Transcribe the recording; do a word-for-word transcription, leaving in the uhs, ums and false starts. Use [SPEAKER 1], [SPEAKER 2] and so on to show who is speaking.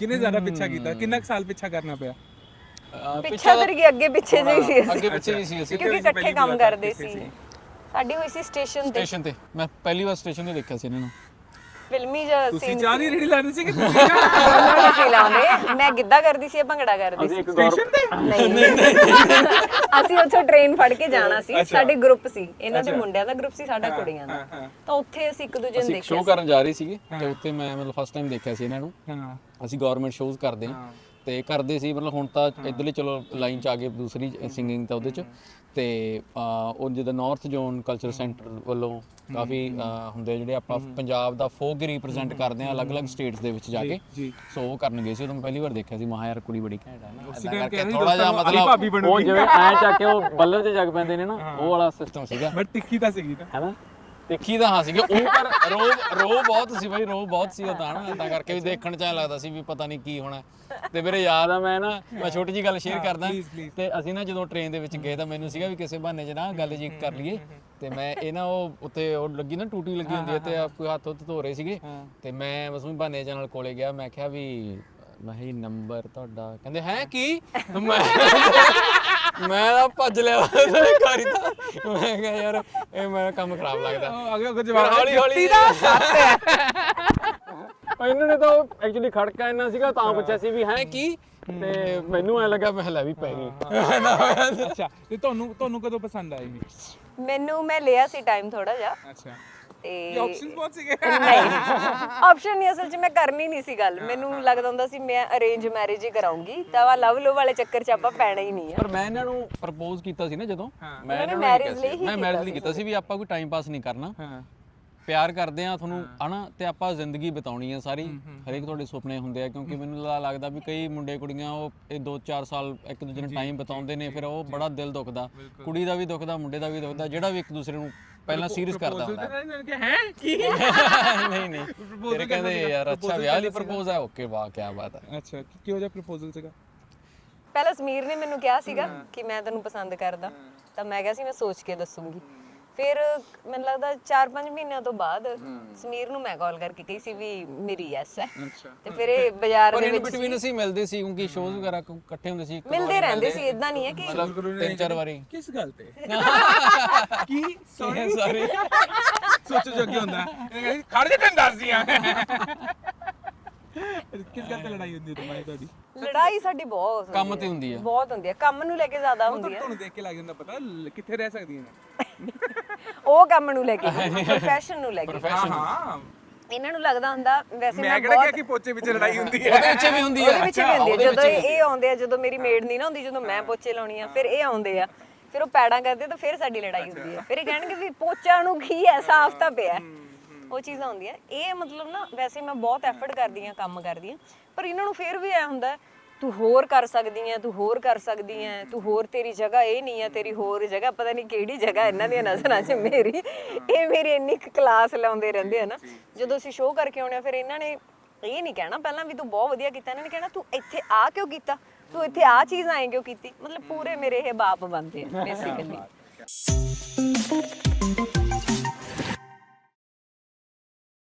[SPEAKER 1] ਕਿੰਨੇ ਜ਼ਿਆਦਾ ਪਿੱਛਾ ਕੀਤਾ, ਕਿੰਨਾ ਕੁ ਸਾਲ ਪਿੱਛਾ ਕਰਨਾ ਪਿਆ?
[SPEAKER 2] ਪਿੱਛਾ ਕਰ ਗਏ, ਅੱਗੇ ਪਿੱਛੇ ਜਿਹੀ ਸੀ
[SPEAKER 3] ਅੱਗੇ ਪਿੱਛੇ ਹੀ ਸੀ ਅਸੀਂ,
[SPEAKER 2] ਕਿਉਂਕਿ ਇਕੱਠੇ ਕੰਮ ਕਰਦੇ ਸੀ। ਸਾਡੀ ਹੋਈ ਸੀ ਸਟੇਸ਼ਨ ਤੇ।
[SPEAKER 3] ਸਟੇਸ਼ਨ ਤੇ ਮੈਂ ਪਹਿਲੀ ਵਾਰ ਸਟੇਸ਼ਨ ਤੇ ਦੇਖਿਆ ਸੀ ਇਹਨਾਂ ਨੂੰ।
[SPEAKER 2] ਫਿਲਮੀ ਜਿਹਾ
[SPEAKER 1] ਤੁਸੀਂ
[SPEAKER 2] ਸੀਨ
[SPEAKER 1] ਚਾਹ ਦੀ ਰੇੜੀ ਲਾਉਂਦੇ ਸੀ ਕਿ ਤੁਸੀਂ
[SPEAKER 2] ਸੀ ਲਾਉਂਦੇ। ਮੈਂ ਗਿੱਧਾ ਕਰਦੀ ਸੀ, ਭੰਗੜਾ ਕਰਦੀ ਸੀ
[SPEAKER 1] ਸਟੇਸ਼ਨ ਤੇ?
[SPEAKER 2] ਨਹੀਂ, ਅਸੀਂ ਉੱਥੋਂ ਟ੍ਰੇਨ ਫੜ ਕੇ ਜਾਣਾ ਸੀ। ਸਾਡੇ ਗਰੁੱਪ ਸੀ, ਇਹਨਾਂ ਦੇ ਮੁੰਡਿਆਂ ਦਾ ਗਰੁੱਪ ਸੀ, ਸਾਡਾ ਕੁੜੀਆਂ ਦਾ। ਤਾਂ ਉੱਥੇ ਅਸੀਂ ਇੱਕ ਦੂਜੇ ਨੂੰ
[SPEAKER 3] ਅਸੀਂ
[SPEAKER 2] ਦੇਖਿਆ
[SPEAKER 3] ਸ਼ੋਅ ਕਰਨ ਜਾ ਰਹੇ ਸੀਗੇ ਤੇ ਉੱਥੇ ਮੈਂ ਮਤਲਬ ਫਸਟ ਟਾਈਮ ਦੇਖਿਆ ਸੀ ਇਹਨਾਂ ਨੂੰ।
[SPEAKER 1] ਹਾਂ
[SPEAKER 3] ਅਸੀਂ ਗਵਰਨਮੈਂਟ ਸ਼ੋਜ਼ ਕਰਦੇ ਹਾਂ ਤੇ ਕਰਦੇ ਸੀ, ਮਤਲਬ ਹੁਣ ਤਾਂ ਇੱਧਰਲੇ ਚਲੋ ਲਾਈਨ ਚ ਆ ਗਏ ਦੂਸਰੀ ਸਿੰਗਿੰਗ ਤਾਂ ਉਹਦੇ ਚ। ਤੇ ਉਹ ਜਿੱਦਾਂ ਨਾਰਥ ਜ਼ੋਨ ਕਲਚਰ ਸੈਂਟਰ ਵੱਲੋਂ ਕਾਫੀ ਹੁੰਦੇ ਜਿਹੜੇ ਆਪਾਂ ਪੰਜਾਬ ਦਾ ਫੋਕ ਰਿਪਰੈਜ਼ੈਂਟ ਕਰਦੇ ਹਾਂ ਅਲੱਗ-ਅਲੱਗ ਸਟੇਟਸ ਦੇ ਵਿੱਚ ਜਾ ਕੇ। ਸੋ ਉਹ ਕਰਨ ਗਏ ਸੀ, ਉਦੋਂ ਮੈਂ ਪਹਿਲੀ ਵਾਰ ਦੇਖਿਆ ਸੀ। ਮਹਾ ਯਾਰ ਕੁੜੀ ਬੜੀ ਘੈਂਟ ਹੈ ਨਾ, ਥੋੜਾ ਜਿਹਾ ਮਤਲਬ ਉਹ ਜਿਵੇਂ ਐ ਚੱਕ ਕੇ ਉਹ ਬੱਲਰ ਤੇ ਜਗ ਪੈਂਦੇ ਨੇ ਨਾ, ਉਹ ਵਾਲਾ ਸਿਸਟਮ ਸੀਗਾ।
[SPEAKER 1] ਬਟ ਤਿੱਖੀ ਤਾਂ ਸੀਗੀ ਨਾ,
[SPEAKER 3] ਹੈਨਾ? ਦੇਖੀ ਤਾਂ ਹਾਂ ਸੀਗੇ ਉਹ, ਪਰ ਰੋ ਰੋ ਬਹੁਤ ਸੀ ਬਾਈ, ਰੋ ਬਹੁਤ ਸੀ ਉਹ ਤਾਂ ਨਾ, ਤਾਂ ਕਰਕੇ ਵੀ ਦੇਖਣ ਚ ਐਂ ਲੱਗਦਾ ਸੀ ਵੀ ਪਤਾ ਨਹੀਂ ਕੀ ਹੋਣਾ। ਤੇ ਮੇਰੇ ਯਾਦ ਆ, ਮੈਂ ਨਾ ਮੈਂ ਛੋਟੀ ਜੀ ਗੱਲ ਸ਼ੇਅਰ ਕਰਦਾ। ਤੇ ਅਸੀਂ ਨਾ ਜਦੋਂ ਟ੍ਰੇਨ ਦੇ ਵਿੱਚ ਗਏ ਤਾਂ ਮੈਨੂੰ ਸੀਗਾ ਵੀ ਕਿਸੇ ਬਹਾਨੇ 'ਚ ਨਾ ਗੱਲ ਜੀ ਕਰ ਲਈਏ। ਤੇ ਮੈਂ ਇਹ ਨਾ ਉਹ ਉੱਤੇ ਉਹ ਲੱਗੀ ਨਾ ਟੂਟੀ ਲੱਗੀ ਹੁੰਦੀ ਹੈ ਤੇ ਕੋਈ ਹੱਥ ਉੱਤੇ ਧੋ ਰਹੇ ਸੀਗੇ ਤੇ ਮੈਂ ਬਸ ਵੀ ਬਹਾਨੇ ਨਾਲ ਕੋਲੇ ਗਿਆ। ਮੈਂ ਕਿਹਾ ਵੀ ਮੈਂ ਹੀ ਨੰਬਰ ਤੁਹਾਡਾ, ਕਹਿੰਦੇ ਹੈ ਕੀ? ਮੈਂ ਮੈਂ ਤਾਂ ਭੱਜ ਲਿਆ ਕਾਰੀ ਦਾ। ਮੈਂ ਕਿਹਾ ਯਾਰ ਇਹ ਮੇਰਾ ਕੰਮ ਖਰਾਬ ਲੱਗਦਾ।
[SPEAKER 1] ਅੱਗੇ ਅੱਗੇ ਜਵਾਬ
[SPEAKER 3] ਹੌਲੀ ਹੌਲੀ
[SPEAKER 1] ਦਾ ਸੱਤ ਹੈ।
[SPEAKER 3] ਇਹਨਾਂ ਨੇ ਤਾਂ ਐਕਚੁਅਲੀ ਖੜਕਾ ਇੰਨਾ ਸੀਗਾ ਤਾਂ ਪੁੱਛਿਆ ਸੀ ਵੀ ਹੈ ਕੀ, ਤੇ ਮੈਨੂੰ ਐ ਲੱਗਾ ਮੈਂ ਹਲਾ ਵੀ ਪੈ ਗਈ।
[SPEAKER 1] ਅੱਛਾ, ਤੇ ਤੁਹਾਨੂੰ ਤੁਹਾਨੂੰ ਕਦੋਂ ਪਸੰਦ ਆਈ?
[SPEAKER 2] ਮੈਨੂੰ ਮੈਂ ਲਿਆ ਸੀ ਟਾਈਮ ਥੋੜਾ ਜਿਹਾ।
[SPEAKER 1] ਅੱਛਾ,
[SPEAKER 2] ਤੇ
[SPEAKER 1] ਆਪਸ਼ਨਸ ਬਹੁਤ ਸੀਗੇ।
[SPEAKER 2] ਨਹੀਂ, ਆਪਸ਼ਨ ਨਹੀਂ, ਅਸਲ 'ਚ ਮੈਂ ਕਰਨੀ ਨਹੀਂ ਸੀ ਗੱਲ। ਮੈਨੂੰ ਲੱਗਦਾ ਹੁੰਦਾ ਸੀ ਮੈਂ ਅਰੇਂਜ ਮੈਰਿਜ ਹੀ ਕਰਾਉਂਗੀ, ਤਾਂ ਵਾ ਲਵ ਲੋ ਵਾਲੇ ਚੱਕਰ 'ਚ ਆਪਾਂ ਪੈਣਾ ਹੀ ਨਹੀਂ ਆ।
[SPEAKER 3] ਪਰ ਮੈਂ ਇਹਨਾਂ ਨੂੰ ਪ੍ਰਪੋਜ਼ ਕੀਤਾ ਸੀ ਨਾ ਜਦੋਂ, ਮੈਂ ਇਹਨਾਂ ਨੂੰ
[SPEAKER 2] ਮੈਰਿਜ ਲਈ ਹੀ
[SPEAKER 3] ਮੈਂ ਮੈਰਿਜ ਲਈ ਕੀਤਾ ਸੀ ਵੀ ਆਪਾਂ ਕੋਈ ਟਾਈਮ ਪਾਸ ਨਹੀਂ ਕਰਨਾ,
[SPEAKER 1] ਹਾਂ
[SPEAKER 3] ਪਿਆਰ ਕਰਦੇ ਆ ਤੁਹਾਨੂੰ ਹਨਾ, ਤੇ ਆਪਾਂ ਜ਼ਿੰਦਗੀ ਬਿਤਾਉਣੀ ਆ ਸਾਰੀ। ਹਰੇਕ ਤੁਹਾਡੇ ਸੁਪਨੇ ਹੁੰਦੇ ਆ, ਕਿਉਂਕਿ ਮੈਨੂੰ ਲੱਗਦਾ ਵੀ ਕਈ ਮੁੰਡੇ ਕੁੜੀਆਂ ਉਹ ਇਹ ਦੋ ਚਾਰ ਸਾਲ ਇੱਕ ਦੂਜੇ ਨਾਲ ਟਾਈਮ ਬਿਤਾਉਂਦੇ ਨੇ, ਫਿਰ ਉਹ ਬੜਾ ਦਿਲ ਦੁਖਦਾ, ਕੁੜੀ ਦਾ ਵੀ ਦੁਖਦਾ, ਮੁੰਡੇ ਦਾ ਵੀ ਦੁਖਦਾ, ਜਿਹੜਾ ਵੀ ਇੱਕ ਦੂਸਰੇ ਨੂੰ ਪਹਿਲਾਂ ਸੀਰੀਅਸ ਕਰਦਾ ਹੁੰਦਾ
[SPEAKER 1] ਹੈ ਕੀ।
[SPEAKER 3] ਨਹੀਂ ਨਹੀਂ ਤੇਰੇ ਕਹਿੰਦੇ ਯਾਰ ਅੱਛਾ ਵਿਆਹ ਲਈ ਪ੍ਰਪੋਜ਼ ਹੈ, ਓਕੇ ਵਾਹ ਕੀ ਬਾਤ ਹੈ।
[SPEAKER 1] ਅੱਛਾ, ਕਿਹੋ ਜਿਹਾ ਪ੍ਰਪੋਜ਼ਲ ਸੀਗਾ?
[SPEAKER 2] ਪਹਿਲਾਂ ਸਮੀਰ ਨੇ ਮੈਨੂੰ ਕਿਹਾ ਸੀਗਾ ਕਿ ਮੈਂ ਤੈਨੂੰ ਪਸੰਦ ਕਰਦਾ, ਤਾਂ ਮੈਂ ਕਿਹਾ ਸੀ ਮੈਂ ਸੋਚ ਕੇ ਦੱਸੂਗੀ। ਫਿਰ ਮੈਨੂੰ ਲੱਗਦਾ ਚਾਰ ਪੰਜ ਮਹੀਨਿਆਂ ਤੋਂ ਬਾਅਦ ਸਮੀਰ ਨੂੰ ਮੈਂ ਕਾਲ ਕਰਕੇ ਕਹੀ ਸੀ ਵੀ ਮੇਰੀ ਯੈਸ ਹੈ। ਤੇ ਫਿਰ ਇਹ ਬਾਜ਼ਾਰ ਦੇ ਵਿੱਚ
[SPEAKER 3] ਬਿਟਵੀਨ ਅਸੀਂ ਮਿਲਦੇ ਸੀ, ਕਿਉਂਕਿ ਸ਼ੋਜ਼ ਵਗੈਰਾ ਇਕੱਠੇ ਹੁੰਦੇ ਸੀ,
[SPEAKER 2] ਮਿਲਦੇ ਰਹਿੰਦੇ ਸੀ। ਇਦਾਂ ਨਹੀਂ ਹੈ ਕਿ
[SPEAKER 3] ਮਤਲਬ ਤਿੰਨ ਚਾਰ ਵਾਰੀ।
[SPEAKER 1] ਕਿਸ ਗੱਲ ਤੇ? ਕੀ ਸੌਰੀ
[SPEAKER 3] ਸੌਰੀ
[SPEAKER 1] ਸੋਚੋ ਜੋ ਕੀ ਹੁੰਦਾ, ਖੜ ਜਾ ਤੈਨੂੰ ਦੱਸਦੀਆਂ। ਕਿਸ ਗੱਲ ਤੇ ਲੜਾਈ ਹੁੰਦੀ ਤੁਹਾਡੀ ਤੁਹਾਡੀ?
[SPEAKER 2] ਲੜਾਈ ਸਾਡੀ ਬਹੁਤ
[SPEAKER 3] ਕੰਮ ਤੇ ਹੁੰਦੀ ਹੈ,
[SPEAKER 2] ਬਹੁਤ ਹੁੰਦੀ ਹੈ, ਕੰਮ ਨੂੰ ਲੈ ਕੇ ਜ਼ਿਆਦਾ ਹੁੰਦੀ ਹੈ।
[SPEAKER 1] ਤੁਹਾਨੂੰ ਦੇਖ ਕੇ ਲੱਗ ਜਾਂਦਾ ਪਤਾ ਕਿੱਥੇ ਰਹਿ ਸਕਦੀਆਂ ਨੇ।
[SPEAKER 2] ਉਹ ਕੰਮ ਨੂੰ ਲੈ ਕੇ, ਪ੍ਰੋਫੈਸ਼ਨ ਨੂੰ ਲੈ ਕੇ।
[SPEAKER 1] ਹਾਂ ਹਾਂ,
[SPEAKER 2] ਇਹਨਾਂ ਨੂੰ ਲੱਗਦਾ ਹੁੰਦਾ ਵੈਸੇ
[SPEAKER 1] ਮੈਂ ਕਿਹੜਾ ਕਿਹਾ ਕਿ ਪੋਚੇ ਵਿੱਚ ਲੜਾਈ ਹੁੰਦੀ ਹੈ।
[SPEAKER 3] ਉਹਦੇ ਵਿੱਚ ਵੀ ਹੁੰਦੀ
[SPEAKER 2] ਉਹਦੇ
[SPEAKER 3] ਹੈ,
[SPEAKER 2] ਵਿੱਚ ਵੀ ਹੁੰਦੀ ਹੈ। ਜਦੋਂ ਇਹ ਆਉਂਦੇ ਆ, ਜਦੋਂ ਮੇਰੀ ਮੇਡ ਨਹੀਂ ਨਾ ਹੁੰਦੀ, ਜਦੋਂ ਮੈਂ ਪੋਚੇ ਲਾਉਣੀ ਆ, ਫਿਰ ਇਹ ਆਉਂਦੇ ਆ, ਫਿਰ ਉਹ ਪੈੜਾਂ ਕਰਦੇ ਤਾਂ ਫਿਰ ਸਾਡੀ ਲੜਾਈ ਹੁੰਦੀ ਹੈ। ਫਿਰ ਇਹ ਕਹਿਣਗੇ ਵੀ ਪੋਚਾ ਨੂੰ ਕੀ ਹੈ, ਸਾਫ਼ ਤਾਂ ਪਿਆ। ਉਹ ਚੀਜ਼ਾਂ ਹੁੰਦੀਆਂ। ਇਹ ਮਤਲਬ ਨਾ ਵੈਸੇ ਮੈਂ ਬਹੁਤ ਐਫਰਟ ਕਰਦੀ ਆ, ਕੰਮ ਕਰਦੀ ਆ, ਪਰ ਇਹਨਾਂ ਨੂੰ ਫਿਰ ਵੀ ਐ ਹੁੰਦਾ ਤੂੰ ਹੋਰ ਕਰ ਸਕਦੀ ਐ, ਤੂੰ ਹੋਰ ਕਰ ਸਕਦੀ ਐ, ਤੂੰ ਹੋਰ, ਤੇਰੀ ਜਗ੍ਹਾ ਇਹ ਨਹੀਂ ਆ, ਤੇਰੀ ਹੋਰ ਜਗ੍ਹਾ ਪਤਾ ਨਹੀਂ ਕਿਹੜੀ ਜਗ੍ਹਾ ਇਹਨਾਂ ਦੀਆਂ ਨਜ਼ਰਾਂ 'ਚ ਮੇਰੀ। ਇਹ ਮੇਰੀ ਇੰਨੀ ਕਲਾਸ ਲਾਉਂਦੇ ਰਹਿੰਦੇ ਆ ਨਾ। ਜਦੋਂ ਅਸੀਂ ਸ਼ੋਅ ਕਰਕੇ ਆਉਣੇ ਆ, ਫਿਰ ਇਹਨਾਂ ਨੇ ਇਹ ਨਹੀਂ ਕਹਿਣਾ ਪਹਿਲਾਂ ਵੀ ਤੂੰ ਬਹੁਤ ਵਧੀਆ ਕੀਤਾ, ਇਹਨਾਂ ਨੇ ਕਹਿਣਾ ਤੂੰ ਇੱਥੇ ਆ ਕਿਉਂ ਕੀਤਾ, ਤੂੰ ਇੱਥੇ ਆ ਚੀਜ਼ ਆਏ ਕਿਉਂ ਕੀਤੀ। ਮਤਲਬ ਪੂਰੇ ਮੇਰੇ ਇਹ ਬਾਪ ਬਣਦੇ ਆ ਬੇਸਿਕਲੀ।